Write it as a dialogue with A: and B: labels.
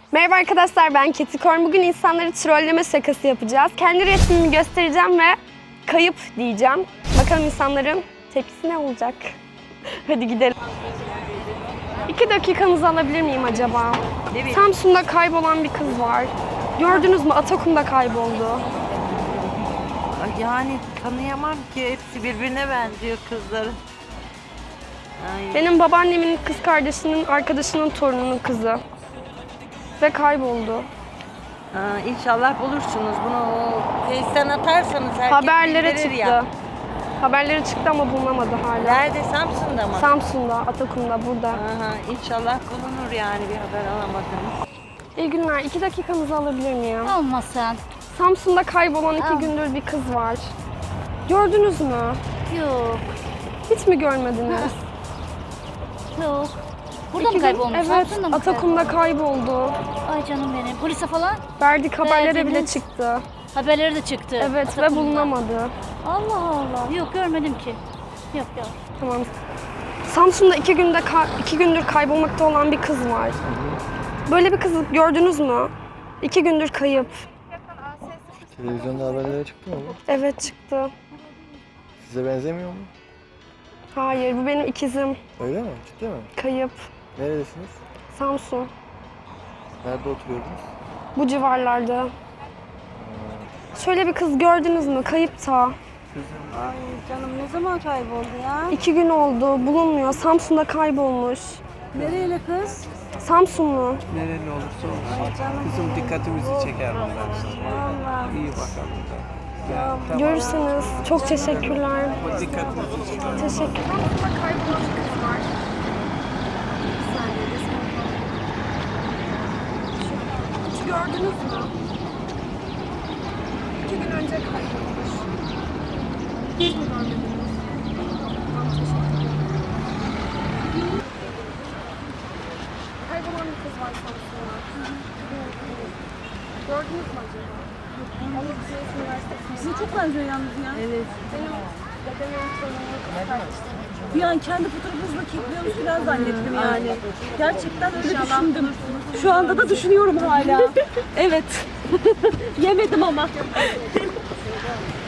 A: Merhaba arkadaşlar, ben Ketikorn. Bugün insanları trolleme şakası yapacağız. Kendi resmimi göstereceğim ve kayıp diyeceğim. Bakalım insanların tepkisi ne olacak? Hadi gidelim. 2 dakikanızı alabilir miyim acaba?
B: Evet.
A: Samsun'da kaybolan bir kız var. Gördünüz mü? Atakum'da kayboldu.
B: Yani tanıyamam ki, hepsi birbirine benziyor kızların. Ay.
A: Benim babaannemin kız kardeşinin arkadaşının torununun kızı. Ve kayboldu.
B: İnşallah bulursunuz. Bunu Face'ten atarsanız herkes
A: Haberlere
B: bildirir
A: çıktı.
B: ya.
A: Haberlere çıktı ama bulunamadı hala.
B: Nerede? Samsun'da mı?
A: Samsun'da, Atakum'da, burada.
B: Aha, İnşallah bulunur yani, bir haber alamadınız.
A: İyi günler. 2 dakikanızı alabilir miyim?
C: Olmasın.
A: Samsun'da kaybolan 2
C: Al.
A: gündür bir kız var. Gördünüz mü?
C: Yok.
A: Hiç mi görmediniz?
C: Yok. Burada
A: 2
C: mı kaybolmuş?
A: Evet,
C: Samsun'da mı
A: Atakum'da
C: kaybolmuş?
A: kayboldu.
C: Ay canım benim. Polise falan
A: Verdik, haberlere bile
C: Verdiniz.
A: çıktı.
C: haberleri de çıktı.
A: Evet ve
C: Atakum'da.
A: bulunamadı.
C: Allah Allah. Yok görmedim ki. Yok.
A: Tamam. Samsun'da 2 gündür kaybolmakta olan bir kız var. Böyle bir kızı gördünüz mü? 2 gündür kayıp.
D: Televizyonda haberlere çıktı mı bu?
A: Evet, çıktı.
D: Size benzemiyor mu?
A: Hayır, bu benim ikizim.
D: Öyle mi? Ciddi mi?
A: Kayıp.
D: Neredesiniz?
A: Samsun.
D: Nerede oturuyordunuz?
A: Bu civarlarda. Şöyle bir kız gördünüz mü? Kayıpta.
E: Ay canım, ne zaman kayboldu ya?
A: 2 gün oldu. Bulunmuyor. Samsun'da kaybolmuş.
E: Nereli kız?
A: Samsunlu.
F: Nereli olursa olsun. Kızım dikkatimizi çeker bunlar.
E: Vallahi.
F: İyi bakalım da. Ya, tamam.
A: Görürsünüz. Çok teşekkürler.
F: O dikkatimizi çeker.
A: Teşekkür. Samsun'da kaybolmuş kız var. Hiç gördünüz mü? 2 gün önce kaybolmuş. Hiç mi görmediniz? Tamam, teşekkürler. Kaybolan bir kız var Samsun'da. Gördünüz mü acaba? Anadolu Üniversitesi'nde.
E: Size çok benziyor yalnız ya.
B: Evet.
A: Benim dedemin torununun kız kardeşi.
E: Bir an kendi fotoğrafınızla kekliyormuş falan zannettim yani. Gerçekten öyle düşündüm. Şu anda da düşünüyorum hala. Evet. Yemedim ama.